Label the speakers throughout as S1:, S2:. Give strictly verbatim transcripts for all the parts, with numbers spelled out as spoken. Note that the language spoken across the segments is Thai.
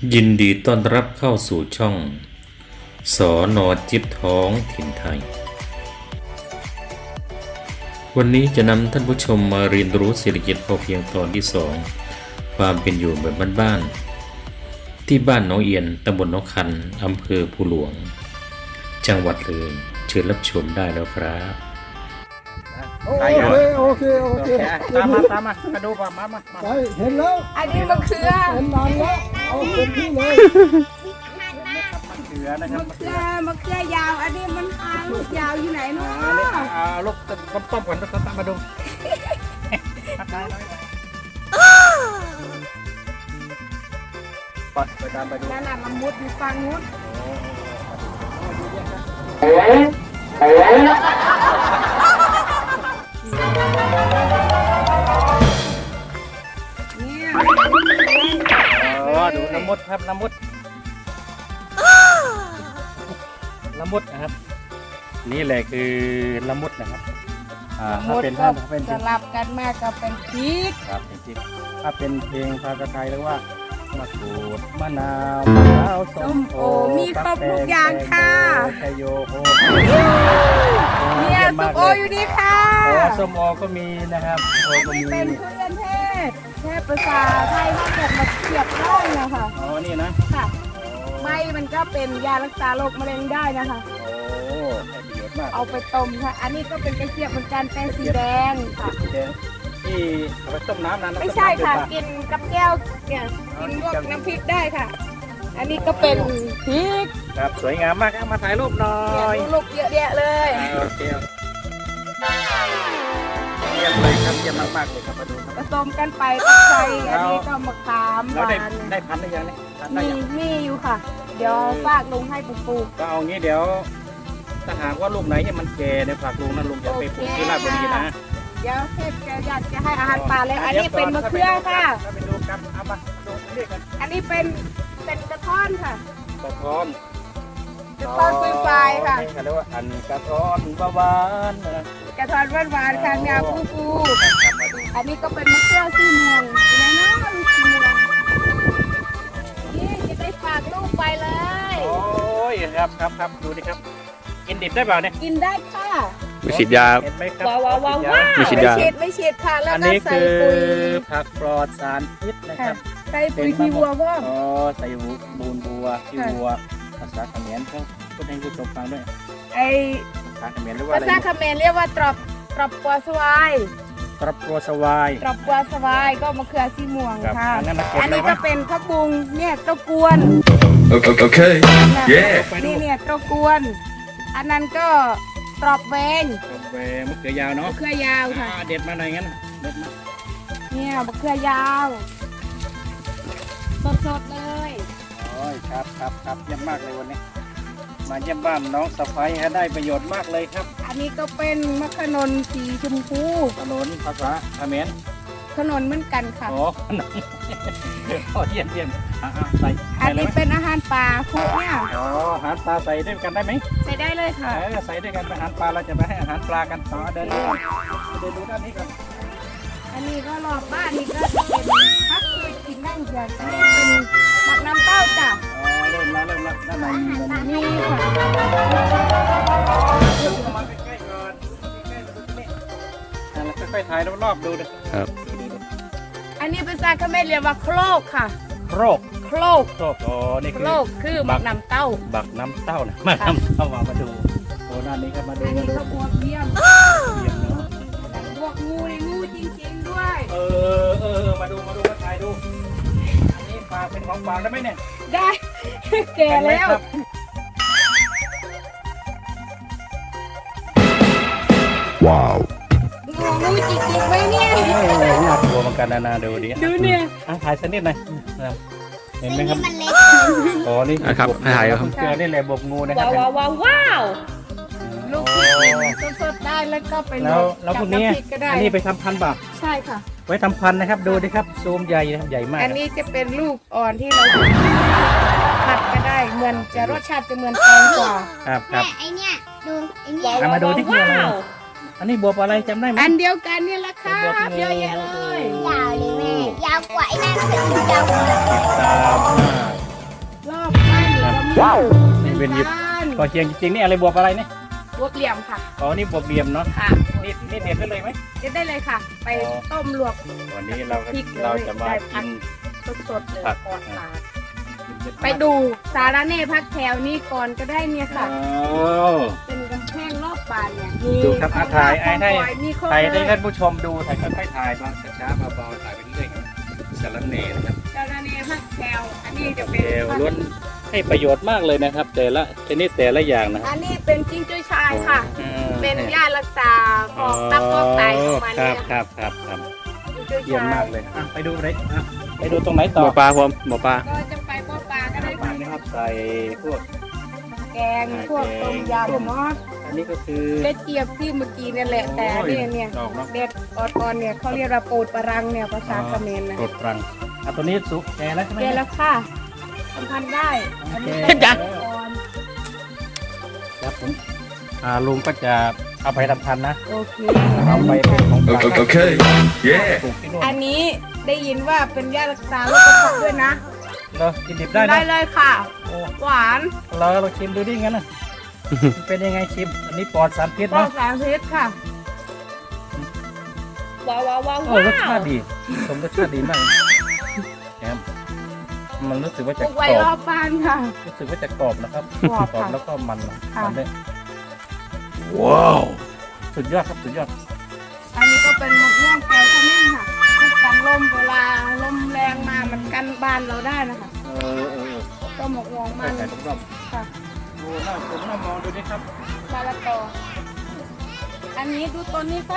S1: ยินดีต้อนรับเข้าสู่ช่องสอนอจิ๊บท้องถิ่นไทย วันนี้จะนำท่านผู้ชมมาเรียนรู้เศรษฐกิจพอเพียงตอนที่สองความเป็นอยู่แบบบ้านๆที่บ้านหนองเอียนตำบลหนองคันอำเภอภูหลวงจังหวัดเลยเชิญรับชมได้แล้วครับ
S2: โอเคโอเคโอเคตามมาตามมามาดูก่อนมามามา
S3: ไปเห็นแล้ว
S4: อันนี้มะเขือ
S3: เห็นนานแล้วเอาเต็มที่เลย
S2: มะเขือนะครับ
S4: มะเขือมะเขือยาว อันนี้มันหางลูกยาวอยู่ไหนเนาะ
S2: อันนี้เอาลูกต้มต้มก่อนต้มต้มมาดูได้ได้ไปไปตามไปดู
S4: นั่นน่ะมันมุดอยู่ฝั่งนู้นเนี่ย
S2: อ๋อดูละมุดครับละมุดละมุดนะครับนี่แหละคือละมุดนะครับอ่าถ้า
S4: มุด
S2: เป็น
S4: ก็
S2: ถ้าเป็น
S4: สลับกันมากก็เป็นพริก
S2: ครับจริงๆถ้าเป็นเพลงภาษาไทยเรียกว่ามะกรูดมะนาวมะพร้าวส้
S4: ส้
S2: ม
S4: ม
S2: โอ
S4: โอมีครบทุกอย่างค่ะ
S2: ชโยโฮ
S4: เนี่ยส้มโออยู่นี่ค่ะ
S2: อ๋อส้มโอก็มีนะครับโอ
S4: อัน
S2: ก็
S4: นี้
S2: มี
S4: เป็นทุเรียนเทศเทศภาษาไทยมาเก็บมาเสียบได้นะคะ
S2: อ๋อนี่นะ
S4: ค่ะใบมันก็เป็นยารักษาโรคมะเร็งได้นะคะ
S2: โอ้ได้ประโยชน์มาก
S4: เอาไปต้มค่ะ อันนี้ก็เป็นกระเจี๊ยบเหมือนกันเป็นสีแดงค่ะ
S2: สีแดงที่เอาไปต้มน้ำนะ
S4: ไม่ใช่ค่ะ กินกับแก้วเนี่ยกินพวกน้ำพริกได้ค่ะ อันนี้ก็เป็นพริก
S2: ครับสวยงามมากครับมาถ่ายรูปหน่อ
S4: เนี่ย
S2: ย
S4: ดูลูกเยอะแยะเลย
S2: โอเคเยี่ยมเลยครับเยี่ยมมากๆเลยครับมาดูครับ
S4: ผสมกันไปกับไข่อันนี้ก็มะขามห
S2: แล้ว
S4: วา
S2: ได้
S4: น
S2: ได้พันธุ์หรือยังเนี่ยพันธุ์ได้
S4: มี
S2: ยัง
S4: มีอยู่ค่ะ เดี๋ยวฝากลุงให้ปลูก
S2: ก็เอางี้เดี๋ยวถ้าหากว่าลูกไหนเนี่ยมันแก่ในยฝากลุงนะลุงจะไปปลูกที่ราชบุรีนะ
S4: ๆเดี๋ยวเทพจะอยากจะให้อาหารปลาแล้วอันนี้เป็นมะเขือค่ะ
S2: ถ้าไปดูกันเอามาดูเรียกกัน
S4: อันนี้เป็นเป็นกระท้อนค่ะ
S2: กระท้อน
S4: กระท้อนคุยไฟค่ะ
S2: นี่เขาเรียกว่าอันกระท้อนบาบานนะ
S4: กระท้อนหวานๆค่ะแนวฟูฟูๆอันนี้ก็เป็นมะเขือสีม่วงอยู่ไหนเนาะลูกสีม่วงนี่จะได้ฝากลูกไปเลย
S2: โอ้ยครับครับครับดูดิครับกินดิบได้เปล่าเนี่ย
S4: กินได้ค่ะ
S1: ไม่ฉีดยา
S2: เห็นไหมครับ
S4: ว้าวว้าวว้าวว้าว
S1: ไม่ฉีดยา
S4: ไม่ฉีดไม่ฉีดค่ะแล้ว
S2: อัน
S4: ก็
S2: นี้
S4: ใส่
S2: คือ
S4: ปุ๋ย
S2: ผักปลอดสารพิษนะค
S4: ค่ะ
S2: รับ
S4: ใส่ปุ๋ยขี้วัวพ่อ
S2: อ๋อใส่บูนบัวขี้วัวภาษาเขมรเขาพูดให้ผู้ชมฟังด้วย
S4: ไอ
S2: ภาษาเขมรเรียกว่า
S4: ภา
S2: อะไร
S4: ษาเขมรเรียกว่าตรอบตรอบปัวสวาย
S2: ตรับตัวสวาย
S4: ตรอบปัวสวายก็มะเขือสีม่วง
S2: ครับ
S4: ค่ะ
S2: อันนั้นนะเก็บ
S4: อัน
S2: เลย
S4: นี้
S2: ไหม
S4: ก็เป็นข้าวบุงเนี่ยเต้ากวน
S3: Okay
S4: นะ
S3: Yeah
S4: นี่เนี่ยเต้ากวน อันนั้นก็ตรอบแวง
S2: กาแฟมะเขือยาวเนาะ
S4: มะเขือยาวค่ะ
S2: อ่าเด็ดมาหน่อยงั้นเด็ดมา
S4: เนี่ยมะเขือยาว สดๆเลย
S2: โอ้ยครับครับครับเยี่ยมมากเลยวันนี้ มาเยี่ยมบ้านน้องสะพ้ายฮะได้ประโยชน์มากเลยครับ
S4: อันนี้ก็เป็นมะขนนสีชมพู
S2: ถนนภาษาเขมร
S4: ขนนเหมือนกันค่ะ
S2: โอ้ขนมโอ้เยี่ยมเยี่ยมอ่าใส่
S4: อั
S2: ใส่
S4: น
S2: เลย
S4: นี้
S2: ไหม
S4: เป็นอาหารป่าคุกเนี่ย
S2: อ๋ออาหารปลาใส่ด้วยกันได้ไหม
S4: ใส่ได้เลยค่ะ
S2: เออใส่ด้วยกันไปอาหารปลาเราจะไปให้อาหารปลากันต่อเดินดูเดินดูด้านนี้ก่อน
S4: อันนี้ก็รอบบ้านนี่ก็จะเป็นพักเคยกินได้เหมือนกันอันนี้เป็นหมักน้ำเต้าจ้ะ
S2: อ๋อเริ่มแล้วเริ่มแล้วด้านในด้านใน
S4: นี่ค่ะ
S2: เอามาใกล้ๆก่อนใกล้ๆมาดูนี่อ่าแล้วค่อยๆถ่ายรอบๆดูนะครับ
S4: อันนี้เป็นซาคาเมเรียกว่าโครกค่ะ
S2: โครก
S4: โครก
S2: โครกอ๋อนี่
S4: โค
S2: คือ
S4: รกคือหมักน้ำเต้า
S2: บักน้ำเต้านะมาน้ำเต้ามามาดูโอ้ด้านนี้ครับมาดู
S4: อัน
S2: มา
S4: นี้
S2: ดู
S4: ก็บวกเยี่ยม
S2: เยี่ยมเนาะ
S4: บวกงูในงูจริงๆด้วย
S2: เออเออเออมาดูมาดูมาถ่ายดูอันนี้ฝากเป็นของฝากได้ไหมเนี่ย
S4: ได้ แก่แล้ว
S2: เห็นไหมครับ
S3: Wow
S4: งูงูจริงๆไหมเนี่ย
S2: โอ้โหน่ากลัวเหมือนกันนะนาดูดิ
S4: ดูเนี่ย
S2: อ่ะถ่ายสักนิดหน่อยนะครับเห็นไหมครับอ๋อนี่
S1: อ่ะครับ
S2: บวก
S1: ถ่ายครับ
S2: เกลือนี่แหละบวกงูนะครั
S4: ว้า
S2: บ
S4: วว้าวว้าวว้าวลูก
S2: โอ้
S4: ที่กินสดๆได้แล้วก็ไป
S2: แล้วแล้วพวกนี้
S4: จับำพริก็ได้
S2: อันนี้ไปทำพันธุ์เปล่า
S4: ใช่ค่ะ
S2: ไว้ทำพันธุ์นะครับดูดิครับซูมใหญ่นะครับใหญ่มาก
S4: อันนี้จะเป็นลูกอ่อนที่เราผัดก็ได้เหมือนจะรสชาติจะเหมือนแตงกวา
S2: ครับครับ
S5: ไอเนี่ยดูไอเนี่ย
S2: เอามาดูที่คืออะไรอันนี้บวบอะไรจำได้ไหม
S4: อันเดียวกันนี่แหละค่ะเยอะแยะเลย
S5: ยาวเลยแม่ยาวกว่าไอ้นั่นคือยาวกว่า
S2: ตามหน้านี่เป็นหยิบพอเคียงจริงๆนี่อะไรบวบอะไรเนี่ย
S4: บวบเหลี่ยมค่ะ
S2: อ๋อนี่บวบเบียมเนาะ
S4: ค่ะ
S2: นี่นี่เด็ดได้เลยไหม
S4: เด็ดได้เลยค่ะ ไปต้มลวก
S2: วันนี้เรา
S4: พริกเลย
S2: เราจะมา
S4: ได้ผั
S2: กิ
S4: ก
S2: น
S4: สดๆเลย
S2: ผัก
S4: ปลอดสารไปดูสารเน่พักแถวนี้ก่อนก็ได้เนี่ยค่ะ
S2: อ๋อ
S4: เป็นกำแพงรอบบ้านเนี่ยมี
S2: ดูครับอ่ะถ่ายไอ้ให้
S4: ของหวานมีครบ
S2: ถ่าย
S4: เล
S2: ให้
S4: ย
S2: ท่านผู้ชมดูถ่ายค่อยๆถ่ายบ้างช้าๆเบาๆถ่ายไปเรื่อยๆครับสารเน่นะครับ
S4: สารเน่พักแถวอันนี้จะ
S2: เอ
S4: เป็น
S2: วล้วนให้ประโยชน์มากเลยนะครับ แต่ละชนิดแต่ละอย่างนะครับ
S4: อันนี้เป็นจิ้งจุ้ยชายค่ะ
S2: อืม
S4: เป็นยารักษาพวกตับพวกไตของมัน
S2: ครั
S4: เนี่
S2: บ
S4: ย
S2: ครับครับครับ
S4: จิ้งจุ้ย
S2: เยี่ยม
S4: ชาม
S2: าย กเลยอ่ะไปดูไหนอ่ะไปดูตรงไหนต่
S1: ห
S2: อ
S1: มอปลาผมหมอปลา
S4: ก็จะไปบ่อปลาก็ได้
S2: ปลา
S4: ค่ะ
S2: นะครับใส่พวก
S4: แกงพวกต้มยำเนาะ
S2: อันนี้ก็คือ
S4: เล็ดเจี๊ยบที่เมื่อกี้เนี่ยแหละแต่เนี่ยเนี่ย
S2: ดอกเนาะ
S4: เด็ดอ่อนๆเนี่ยเขาเรียกว่าปูดปลารังเนี่ยภาษาเขมรนะ
S2: กดรังอ่ะตัวนี้สุกแก่แล้วใช่ไหม
S4: เกแล้วค่ะสัมพันธ์ได้อันนี้
S2: โอเค
S4: เป็นอ่อน
S2: ครับผมอ่าลุงก็จะเอาไปทำพันธุ์นะ
S4: โอเค
S2: เอาไปเป็นของฝาก
S3: Okay, okay. Yeah.
S2: ปลูกที่นู่น
S4: อันนี้ได้ยินว่าเป็นยารักษาโรคกระเพาะด้วยนะ
S2: เหรากินดิบได้
S4: ได้
S2: นะ
S4: เลยค่ะ
S2: โอ้
S4: หวาน
S2: เราเราชิมดูดิงั้นนะ มันเป็นยังไงชิม อันนี้ปลอดสารพิษ
S4: ปลอ
S2: นะ
S4: ดสารพิษค่ะว้าวว้าวว้าว
S2: โอ้รสชาติดีสมรสชาติดีมากแอมมันรู้สึกว่า
S4: ป
S2: จะ
S4: ลูก
S2: ก
S4: ไว้
S2: รอ
S4: รอ
S2: บบ
S4: บ้านค่ะ
S2: รู้สึกว่าจะกรอบนะครับ
S4: กรอบค่ะ
S2: แล้วก็มันนะ
S4: ค่ะ
S2: มันได้
S3: Wow.
S2: สุดยอดครับสุดยอด
S4: อันนี้ก็เป็นมะม่วงแก้วขมิ้นค่ะทุกกันลมเวลาลมแรงมามันกันบ้านเราได้นะคะ
S2: เออเออเออ
S4: ก็มะม่วง
S2: ใส่
S4: มัน
S2: ใส่ทุกรอบ
S4: ค่ะ
S2: ดูหน้าผมหน้ามองดูดิครับ
S4: มะละกออันนี้ดูต้นนี้ครับ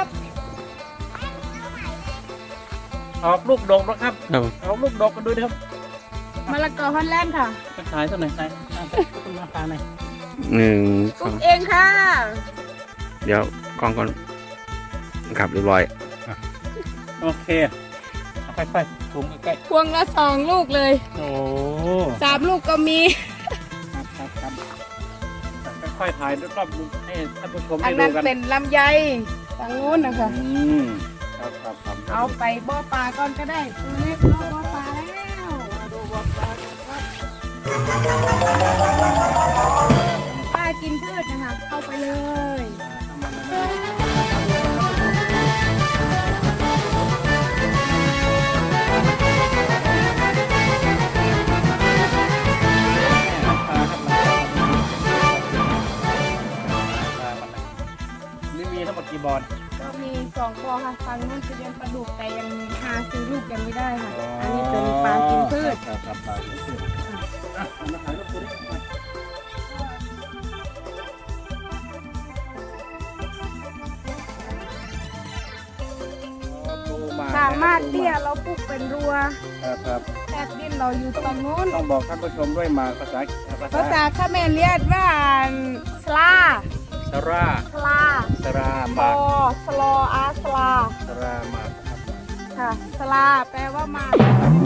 S2: ออกลูกดกแล้วครับ
S1: ครับ
S2: ออกลูกดกกันดูดิครับ
S4: มะละกอฮอลแลนด์ค่ะ
S2: ไปขายตัวไหนไหนอ่ะคุณมาขายหน่อย
S1: หนึ่ง
S4: ปลูกเองค่ะ
S1: เดี๋ยวกล้องก่อนครับเรียบร้อย
S2: โอเคเอาค่อยๆถุงใกล้
S4: พวงละสองลูกเลย
S2: ๆโอ้
S4: สามลูกก็มี
S2: ครับครับครับค่อยๆถ่ายรอบๆให้ท่านผู้ชม
S4: อั
S2: ได้
S4: น
S2: ดู
S4: นั้น
S2: กัน
S4: เป็นลำไยฝั่งนู้นนะคะ
S2: อืมครับครับครับ
S4: เอาไปบ่อปลาก่อนก็ได้ตัวเล็กรอบบ่อปลาแล้วมาดูบ่อปลากันครับปลากินพืชนะคะเข้าไปเลย
S2: นี่มีทั้งหมดกี่บอล
S4: ก็มีสองบ่อค่ะฝั่งนู้นจะเลี้ยงปลาดุกแต่ยังหาซื้อลูกยังไม่ได้ค่ะ อันนี้เป็นปลากินพืช
S2: ครับครับปลากินพืชอ่ะเอามาถ่ายรูปตัวนี้มาโอ้ปูห
S4: สามารถเตี้ยเราปลูกเป็นรัว
S2: ครับครับ
S4: แทบดินเราอยู่ตรงนู้น
S2: ต้องบอกท่านผู้ชมด้วยหมากภาษาภา
S4: ภา
S2: ษา
S4: ษาเขมรเรียกว่าสลา
S2: สรา
S4: สลา
S2: สราห
S4: โอ
S2: มาก
S4: สลออาสลา
S2: สราหมากครับ
S4: ค่ะสลาแปลว่าหมาก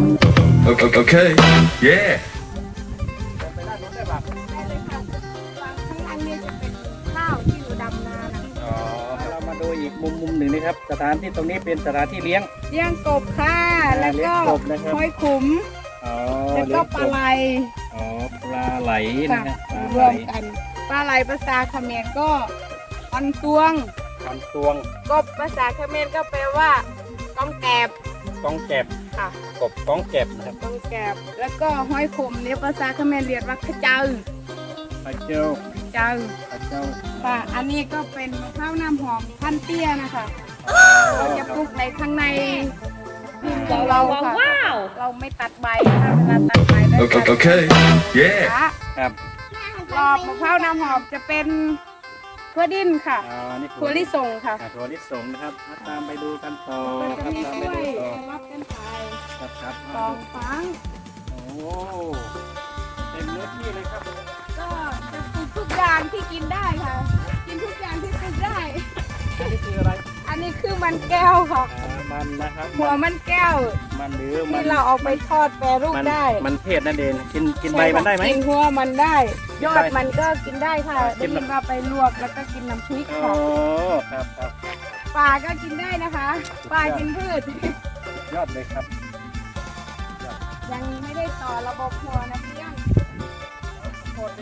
S3: Okay, okay. Yeah.
S2: ไปด้านโน้นได้ปะ
S4: ได้เลยค่ะฝั่งข้างล่างเนี่ยจะเป็นข้าวที่อยู่ดำนานะ
S2: อ๋อเรามาดูอีกมุมมุมหนึ่งนะครับ สถานที่ตรงนี้เป็นสถานที่เลี้ยง
S4: เลี้ยงกบค่ะ แล้วก็
S2: เลี้ยงกบนะครับ
S4: ห้อยขุม
S2: อ๋อ
S4: แล้วก็ปลาไหล
S2: อ๋อปลาไหลนะ
S4: ค่ะ
S2: ฮะปลาร ไหล
S4: วมกันปลาไหลภาษาเขมรก็อันตวง
S2: คำตวง
S4: กบภาษาเขมรก็แปลว่าก้องแกบ
S2: กองแก็บ
S4: ค่ะ
S2: กบก้องแก็บนะครับ
S4: ก้องแกบแล้วก็ห้อยขุมเนี่ยภาษาเขมรเรียกว่าขะเจ้า
S2: ปลาเจ้า
S4: เจ้า
S2: ปลาเจ้า
S4: ค่ะอันนี้ก็เป็นมะพร้าวน้ำหอมพันเตี้ยนะคะเราจะปลูกในข้างในดินของเราค่ะเราไม่ตัดใบถ้าเวลาตัดใบได้
S3: Okay, okay. Yeah.
S2: ครับ
S4: รอบมะพร้าวน้ำหอมจะเป็นถั่วดินค่ะ
S2: อ๋อนี่
S4: ถั่วลิสงค่ะ
S2: อ่าถั่วลิสงนะครับอ่ะตามไปดูกันต่อ
S4: มัน
S2: ค
S4: จะ
S2: รับ
S4: มี
S2: ตาม
S4: ก
S2: ไป
S4: ล้วย
S2: ดูต่อ
S4: สลับกันไป
S2: ครับครับ
S4: สองฟัง
S2: โอ้เต็มเนื้อที่เลยครับ
S4: ก็จะปลูกทุกอย่างที่กินได้ค่ะ กินทุกอย่างที่ปลูกได้
S2: อันนี้คืออะไร
S4: อันนี้คือมันแก้วค่ะ
S2: อ่ามันนะครับ
S4: หัวมันแก้ว
S2: มันหรือมั
S4: ที่เราเอาไปทอดแปรรูป
S2: มัน
S4: ได้
S2: มันเทศนั่นเองกินกินใบมันได้ไหม
S4: กินหัวมันได้ ยอด
S2: ได้
S4: มันก็กินได้ค่ะ
S2: กิ
S4: ได้
S2: น
S4: ยินว่าไปลวกแล้วก็กินน้ำพริก
S2: โอ้
S4: ค่ะ
S2: ครับครับ
S4: ปลาก็กินได้นะคะปลากินพืช
S2: ยอดเลยครับ
S4: ยังไม่ได้ต่อระบบหัวนะเพียง
S2: โคตร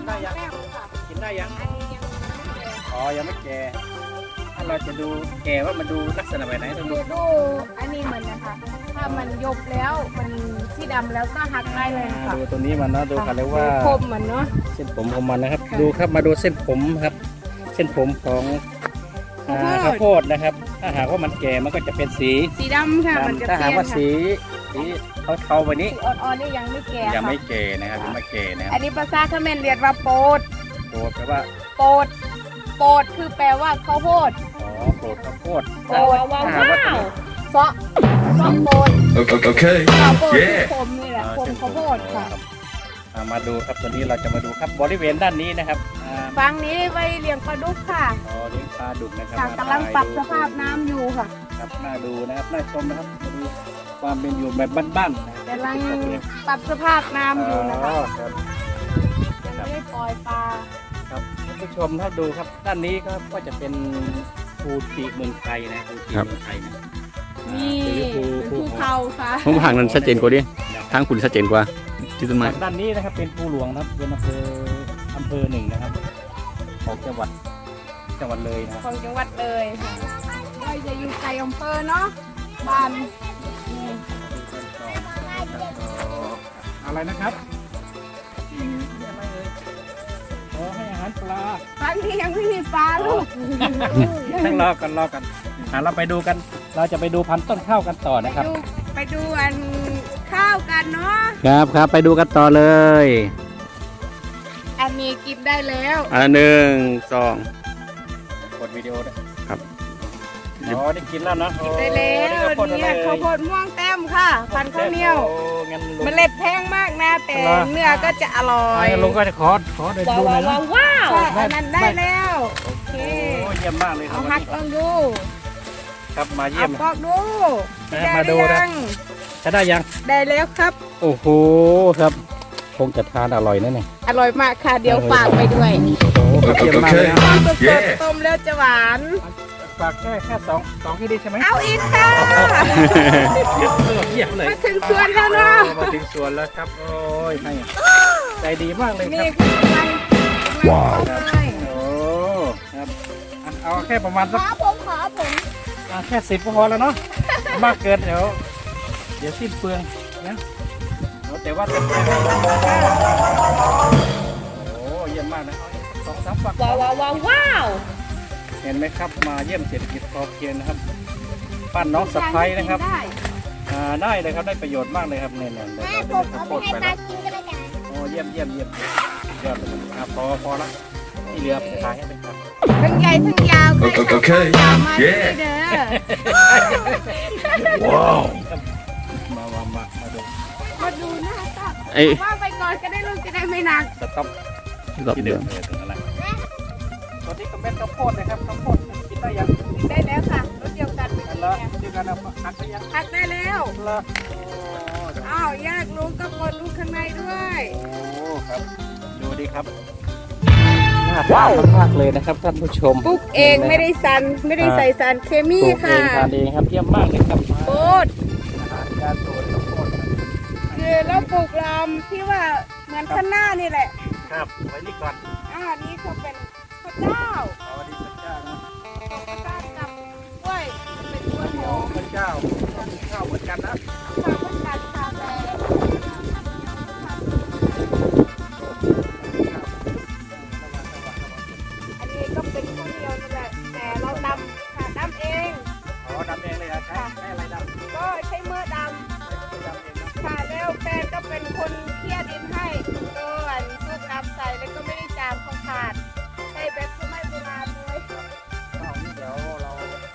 S2: ได้ยัง
S4: แม่ค่ะ
S2: กินได้ยัง
S4: อันนี้ยังไม่แก่
S2: อ๋อยังไม่แก่ถ้าเราจะดูแก่ว่ามันดูลักษณะแบบไหนต้องดู
S4: ดูดูอันนี้เหมือนนะคะถ้ามันยบแล้วมันที่ดำแล้วก็หักได้เลยค่ะ
S2: ดูตัวนี้มันเนาะดูกันเลยว่า
S4: คมเหมือนเนาะ
S2: เส้นผมของมันนะครับ
S4: ค่ะ
S2: ดูครับมาดูเส้นผมครับ เส้นผมของอ่า
S4: ข้าวโพด
S2: ข้าวโพดนะครับ ถ้าหากว่ามันแก่มันก็จะเป็นสี
S4: สีดำค่ะมัน
S2: ดำ
S4: จะ
S2: ถ้า
S4: เป
S2: หาก
S4: ลี่ยน
S2: ว่า
S4: ค่ะ
S2: สีสีเทาๆแบบนี้
S4: สีอ่อนๆนี่ยังไม่แก่
S2: ยัง
S4: ค่ะ
S2: ไม่แก่นะครับยังไม่แก่นะค
S4: อั
S2: รับ
S4: นนี้ภาษาเขมรเรียกว่าโปด
S2: โปรดแปลว่า
S4: โปดโปดคือแปลว่าข้าวโพด
S2: อ๋อโปรดข้าวโพด
S4: โปด
S2: ถ้าหากว่าตัวนี้
S4: เซาะเซาะโปด
S3: Okay. Okay.
S4: ข้าวโพดคือ
S3: Yeah.
S4: คมนี่แหละ
S2: อ่า
S4: คม
S2: เส้นผ
S4: ข้าวโพดค่ะ
S2: รับอ่ามาดูครับตัวนี้เราจะมาดูครับบริเวณด้านนี้นะครับอ่า
S4: ฟังนี้ไว้เลี้ยงปลาดุกค่ะ
S2: อ๋อเลี้ยงปลาดุกนะครับ
S4: ค่ะ
S2: ม
S4: กำลังปรับ
S2: ถ่ย
S4: ส
S2: ดู
S4: ภาพน้ำอยู่ค่ะ
S2: ครับน่าดูนะครับน่าชมนะครับมาดูความเป็นอยู่แบบบ้านๆนะครับ
S4: กำลังปรับสภาพน้ำอยู่นะคะ
S2: อ๋อครับ
S4: ยังไม่ได้ปล่อยปลา
S2: ครับท่านผู้ชมถ้าดูครับด้านนี้ก็ก็จะเป็นภูติเมืองไทยนะภูติเมืองไทยนะ
S4: นี่
S2: หรือภู
S4: เป็นภูเขาค่ะ
S6: ผมห่างนั้นชัดเจนกว่าดิทางคุณชัดเจนกว่าที่ต้นไม้
S2: ด้านนี้นะครับเป็นภูหลวงนะครับเป็นอำเภออำเภอหนึ่งนะครับของจังหวัดจังหวัดเลยนะครับ
S4: ของจังหวัดเลยค่ะเราจะอยู่ไกลอำเภอเนาะบ้านนี่
S2: อะไรนะครับอืมอะไรเอ่ยขอให้อาหารปลา
S4: ครั้งนี้ยังไม่มีปลาลูก
S2: ต้องรอกันรอกันอ่ะเราไปดูกัน เราจะไปดูพันธุ์ต้นข้าวกันต่อ
S4: ไป
S2: นะครับ
S4: ดูไปดูอันข้าวกันเนาะ
S6: ครับครับไปดูกันต่อเลย
S4: อันนี้กินได้แล้ว
S6: อ่าหนึ่งสอง
S2: กดวิดีโอด้วย
S6: ครับ
S2: อ๋อได้กินแล้วนะโอ้
S4: ได้แล้ว
S2: นี่ข้าวโพดอะไร
S4: เนี่ยข้าวโพดม่วงแต้มค่ะ พันธุ์ข้าวเหนียว
S2: โอ้งั้นลุง
S4: เมล็ดแพงมากนะแต่
S2: เหรอ
S4: เนื้อก็จะอร่อย
S2: ให้ลุงก็จะขอขอเดินดูหน่อยนะ
S4: ใช่อันนั้นได้แล้วโอเค
S2: โอ้เยี่ยมมากเลยครั
S4: เอา
S2: บ
S4: หักลองดู
S2: ครับมาเยี่
S4: เอา
S2: ยม
S4: ปอกดู
S2: นะ
S4: ได้
S2: มาดู
S4: หรือ
S2: นะ
S4: ยัง
S2: จะได้ยัง
S4: ได้แล้วครับ
S2: โอ้โหครับคงจะทานอร่อยแน่เนี่ย
S4: อร่อยมากค่ะ เดี๋ยวฝากไปด้วย
S2: โอ้โหเยี่ยมมากเลยนะ
S4: ต้มสด
S3: Yeah
S4: ๆต้มแล้วจะหวาน
S2: ฝากแค่แค่สองสองที่ดีใช่ไหม
S4: เอาอีกค่ะ
S2: เยี่ยมเลยเยี่ยมเลย
S4: มาถึงสวนแล้วเนาะ
S2: โอ้มาถึงสวนแล้วครับโอ้ยให้ใจดีมากเลยค
S4: นี่
S2: รับ
S4: คือกำลังกำลังต้มเลย
S2: โอ้ครับอ่ะเอาแค่ประมาณ
S4: ข
S2: สัก
S4: อผมขอผม
S2: อ่ะแค่สิบก็พอแล้วเนาะมากเกินเดี๋ยวเดี๋ยวสิ้นเปลืองนะเอาแต่ว่าเป็นแค่โอ้เยี่ยมมากนะสองสามฝัก
S7: ว้าวว้าวว้าวว้าว
S2: เห็นไหมครับมาเยี่ยมเศรษฐกิจพอเพียงนะครับบ้านน้องสะพ้ายนะครับ
S4: ได้
S2: อ่าได้เลยครับได้ประโยชน์มากเลยครับเนี่ยเนี่ยเดี๋ยว
S5: แม่
S2: เรา
S5: ผ
S2: จะ
S5: ม
S2: ได้
S5: เอา
S2: ข้าว
S5: ไป
S2: โพด
S5: ให้
S2: ไป
S5: ตา
S2: แล้ว
S5: กินก็ได้จ้ะ
S2: โอ้เยี่ยมเยี่ยมเยี่ยมยอดเลยอ่ะพอพอละที่เหลือไปขายให้เป็นครับ
S4: ทั้งใหญ่ทั้งยาว
S3: โอเคโอเค
S4: ยาวมาที่
S3: เย้
S4: นี่เด้อ
S3: Wow.
S2: มามามามาดู
S4: มาดูหน้าตัก
S6: ไอ้
S4: ว่าไปก่อนก็ได้ลูกจะได้ไม่หนัก
S2: สต็อป
S6: รอบ
S2: ที่
S6: เดิ
S2: เดิ
S6: ม
S2: มเลยตรงนั้นแหละตัวนี้ก็เม็ดข้าวโพดนะครับข้าวโพดกินได้ยัง
S4: ได้แล้วค่ะรถเดียวกันไป
S2: อั
S4: กิ
S2: น
S4: น
S2: ละ
S4: เนี่ย
S2: เดียวกันเอาหักไปยัง
S4: หักได้แล้ว
S2: ละ
S4: อ้าวแยกลูกก็กดลูกข้างในด้วย
S2: โอ้ครับดูดิครับน่าทานมากๆเลยนะครับท่านผู้ชม
S4: ปลูกเองไม่ได้สันไม่ได้ใส่สารเคมี
S2: ปลูกเอ
S4: ค่ะ
S2: งทานเองครับเยี่ยมมากเลยครับ
S4: โคตร
S2: อาหารการสวนข้าวโพด
S4: คือเราปลูกลำที่ว่าเหมือนข้างหน้านี่แหละ
S2: ครับไว้นี่ก่อน
S4: อ่านี่เขาเป็นข้าวเจ้า
S2: เอาดีพระเจ้านะ
S4: ข้าวเจ้ากับกล้วยเป็นกล้วยหอม
S2: พระเจ้าข้าวเหมือนกันนะ
S4: ข้าวพันธุ์การชาแดงอันนี้ก็เป็นข้าวเหนียวนี่แหละแต่เราดำค่ะดำเอง
S2: อ๋อดำเองเลยเหรอใช้ใช้อะไรดำ
S4: ก็ใช้มือดำ
S2: ดำเองนะ
S4: ค่ะแล้วแฟนก็เป็นคนเคลียร์ดินให้ก็อันสูบน้ำใส่แล้วก็ไม่ได้จามเขาขาดใช้แบบสมัยโบราณเลย
S2: เอานี่เดี๋ยวเรา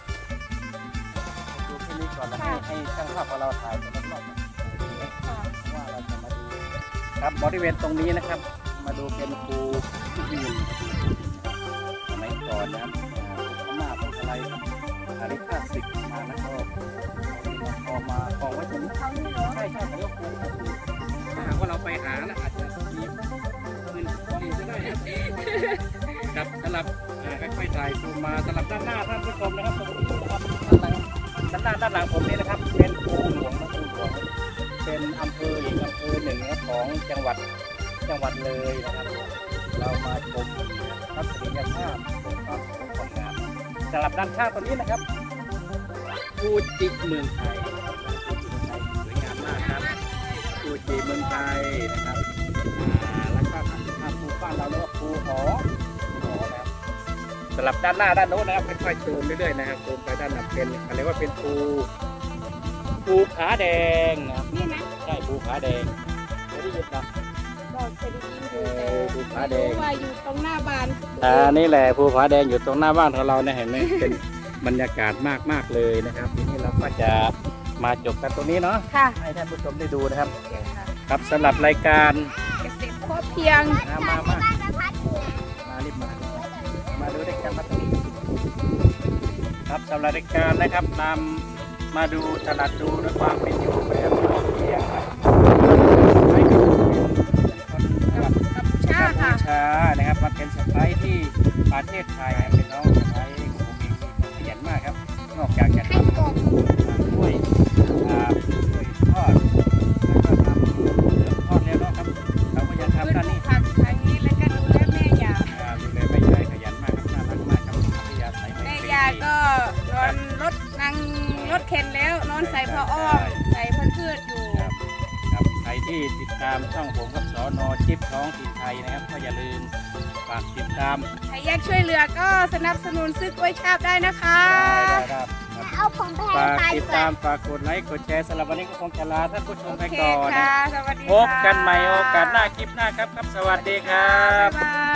S2: ดูที่นี่ก่อนแล้วให้ให้ช่างภาพของเราถ่ายไปรอบๆว่าเราจะมาดูครับบริเวณตรงนี้นะครับ มาดูเป็นภูที่ยืนสมัยก่อนนะครับพม่าพวกอะไรอาริคาสิกมาแล้วก็พอมากองไว้ตรงนี้
S4: เขานี่เหรอ
S2: ใช่ใช่เขาเรียกภูถ้าหากว่าเราไปหานะอาจจะมีปืนดีก็ได้นะครับสำหรับอ่าค่อยๆถ่ายซูมมาสำหรับด้านหน้าท่านผู้ชมนะครับตรงนี้นะครับด้านหลังด้านหน้าด้านหลังผมนี่นะครับ เป็นภูหลวงนะภูหลวงเป็นอำเภออีกอำเภอหนึ่งนะครับของจังหวัดจังหวัดเลยนะครับเรามาชมทัศนียภาพชมความสวยงามสำหรับด้านข้างตรงนี้นะครับฟูจิเมืองไทยฟูจิเมืองไทยสวยงามมากครับฟูจิเมืองไทยนะครับอ่าแล้วก็ถ้าภูบ้านเราเรียกว่าภูหอภูหอนะครับสำหรับด้านหน้าด้านโน้นนะครับค่อยๆซูมเรื่อยๆนะครับซูมไปด้านหลังเป็นอะไรว่าเป็นภูภูผาแดงนะครับ
S4: นี่นะ
S2: ใช่ภูผาแดงเคยได้ยินนะ
S4: บอกเคยได้ยินอยู่
S2: เออภูผาแด
S4: แต่
S2: ง
S4: รู้ว่าอยู่ตรงหน้าบ้าน
S2: อ่านี่แหละภูผาแดงอยู่ตรงหน้าบ้านของเราเนี่ยเห็นไหม เป็นบรรยากาศมากมากๆเลยนะครับทีนี้เราก็จะมาจบกันตรงนี้เนาะ
S4: ค่ะ
S2: ให้ท่านผู้ชมได้ดูนะครับ
S4: โอเคค่ะ
S2: ครับสำหรับรายการ
S4: เกษตรพอเพียง
S2: มามามามารีบมามาดูรายการมาตรงนี้ครับสำหรับรายการนะครับนำมาดูตลาดดูด้วยความเป็นอยู่แบบพอเพียงครับให้กับคนจังหวัด
S4: กัมพูชา
S2: กัมพู
S4: ค่ะ
S2: ชานะครับมาเป็นสไปที่ประเทศไทยเป็นน้องสไปของผมเองที่ขยันมากครับ นอกจากจะทำกล้วยอ่ากล้วยทอดแล้วก็ทำเหลืองทอดแล้วเนาะครับเราก็ยังทำด้านนี้
S4: ผักทางนี้แล้วก็ดูแลแม่ยา
S2: อ่าดูแลแม่ยายขยันมากครับน่ารักมากครับพัทยาใส่
S4: แม่ยาก็นอนรถนั่งรถเข็นแล้วนอนใส่ผ้าอ้อมใส่พันพืชอยู่
S2: ครับครับใครที่ติดตามช่องผมกับสอนอชิปท้องถิ่นไทยนะครับก็อย่าลืมฝากติดตาม
S4: ใครอยากช่วยเหลือก็สนับสนุนซื้อกล้วยชาบได้นะคะ
S2: ได้ได้ครับ
S5: เอาผมไปให้
S2: ฝาก
S5: ปลา
S2: ติ
S5: ดี
S2: ด
S5: กว่า
S2: ตามฝากกดไลค์กดแชร์สำหรับวันนี้ก็คงจะลาท่านผู้ชม
S4: โอ
S2: ไป
S4: เค
S2: ก่อน
S4: ค่ะ สวัสดี
S2: พบกันใหม่โอกาสหน้าคลิปหน้าครับครับ สวัสดีครับ
S4: บ๊ายบาย